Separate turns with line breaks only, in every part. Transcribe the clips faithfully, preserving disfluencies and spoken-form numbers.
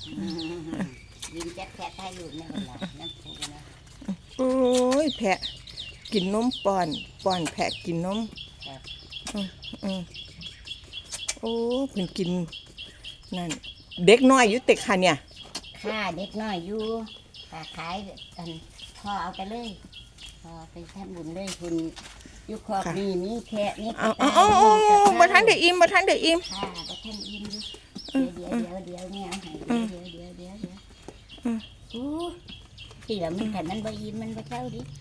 ยินแจ๊แพะไทยหลุดในเวลาน้ำปูนะ
โอ้ยแพะกินนมป้อนป้อนแพะกินนมอืมอืมโอ้เพิ่นกินนั่นเด็กน้อยอยู่เต็กค่ะเนี่ย
ค่าเด็กน้อยอยู่ค่าขายกันพ่อเอาไปเลยพอไปทำบุญเลยคุณยุคขอบนี่มีแพะนี่
เอาเอาเอามาทันเดี๋ยวอิ่มมาทันเดี๋ยวอิ่ม
ค่ะมาทันอิ่มดิเดี๋ยวเดี๋ยวเดี๋ยวเนี่ยเอาให้เดี๋ยวเดี๋ยวเดี๋ยวเดี๋ยวอู้ที่เรามันขันมันใบอิ่มมันใบเช้าดิ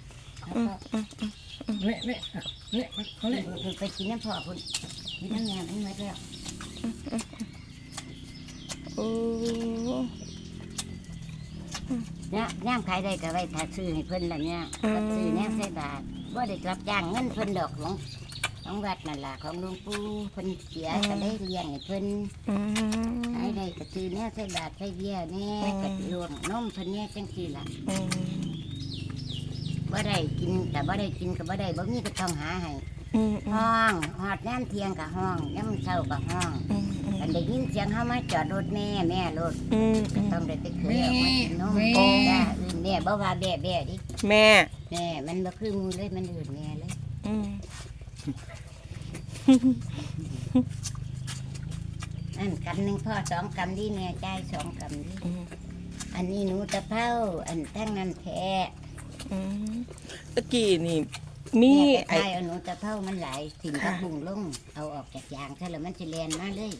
เนี่ยเนี่ยเนี่ยเขาเนี่ย
ไปกินน้ำพ่อคุณกินน้ำแม่มันไม่แล้ว
โอ้
เนี่ยย่ามขายได้ก็ไว้ถ้าซื้อให้เพิ่นละเนี่ยก็ซื้อแนวใส่บาทว่าได้รับจ้างเงินเพิ่นดอกของของวัดนั่นล่ะของหลวงปู่เพิ่นเสียก็ได้เลี้ยงให้เพิ่นขายได้ก็ซื้อแนวใส่บาทใส่เบี้ยเนี่ยก็รวมนมเพิ่นเนี่ยจังซี่ล่ะบ่ได้กินแต่บ่ได้กินก็บ่ได้บ่มีก็ต้องหาให้ห้องหอดน้ำเทียงกับห้องน้ำเช้ากับห้องอันได้ยินเสียงเขามาจอดรถแม่แม่รถก็ต้องได้ไปเคยเอามากินนมจ้าอื่นแม่บ่ว่าแบ่แบ่ดิ
แม่
แม่มันบ่คือมูเลยมันอื่นแม่เลยอันกำหนึ่งพ่อสองกำดีแม่ใจสองกำดีอันนี้หนูตะเภาอันตั้งนั้นแท้
ตะกี้นี่มี
ไอ้เอาหนูตะเภามันหลายถิ่นกระบุงลงเอาออกจากยางซะแล้วมันจะแลนมาเลย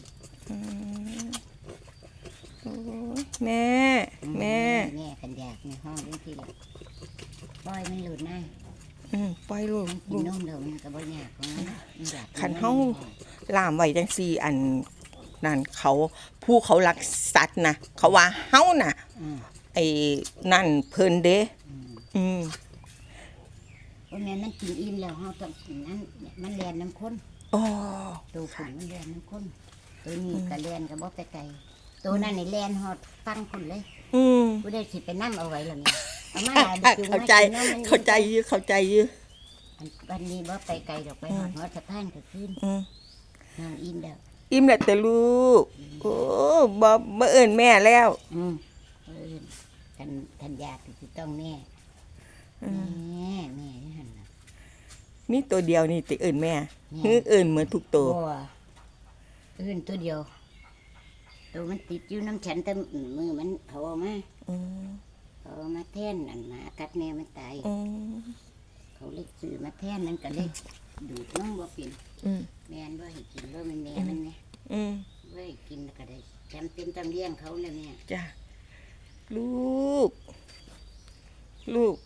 แม่แม่
แม่กันอยากในห้องเรื่องที่ละปล่อยมันหลุดนะ
ปล่อยลูก
กินนมเดี๋ยวมันก็บ่ยากของมัน
ขันเฮาล่ามไว้จังซี่อันนั่นเขาผู้เขารักสัตว์นะเขาว่าเฮาน่ะไอ้นั่นเพิ่นเด้อืม
เพราะแม่นั่นกินอิ่มแล้วเฮาต้องนั้นมันแลนน้ำข้น
อ๋อ
ตัวขุนมันแลนน้ำข้นตัวนี้ก็แลนก็บ่ไปไกลตัวนั้นนี่แลนฮอดฟังคนเลย
อืม
ผู้ได้สิไปนั่งเอาไว้แล้วนี่เอามา
เข้าใจเข้าใจอยู่เข้าใจอยู่
วันนี้บ่ไปไกลดอกไปฮอดฮอดสะพานก็ขึ้นนางอิ่มแล้ว
อิ่มแล้วแต่ลูกโอ้บ่บ่เอิ้นแม่แล้ว
อืมเอิ้นท่านท่านอยากสิต้องแม่แม่แม่หั่นน่ะ
นี่ตัวเดียวนี่ติเอิ้นแม่ฮือเอิ้นเหมือนทุกตัว
บ่เอิ้นตัวเดียวตัวมันติดอยู่น้ำฉันแต่มือมันเอามาเอามาแทนอันหมากัดแม่มันตายเขาเล็กซื้อมาแทนนั่นก็เล็กดูดน้องบ่เป็นแม่นว่าให้กินแล้วมันแม่มันเนี่ยว่าให้กินก็ได้จำเป็นจำเลี้ยงเขาแล้วเนี่ย
จ้ะลูกลูก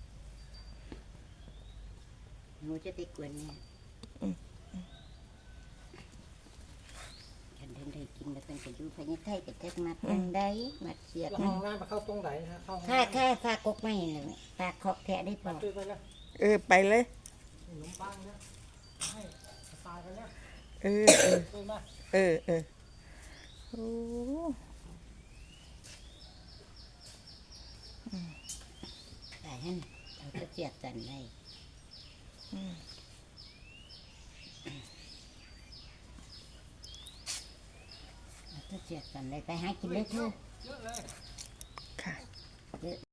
หนูจะไปกวนเนี่ยฉันเดินได้กินแล้วเป็นจะอยู่ภายในไทยแต่แท้มาทางใดมาเสียบ
ห้องน้ำมาเข้าตรงไหนนะเข้า
ค่าค่าฝากกกไม่เลยฝากขอบแทะได้เปล่า
เออไปเลย
ขนมปังเนี่ยให้ตายไปแล้ว
เออเออเออเออโอ้
แต่ฮั่นเราจะเสียบกันได้เราจะเสียบกันได้ไปหากินเลยเถอะ
ค่ะ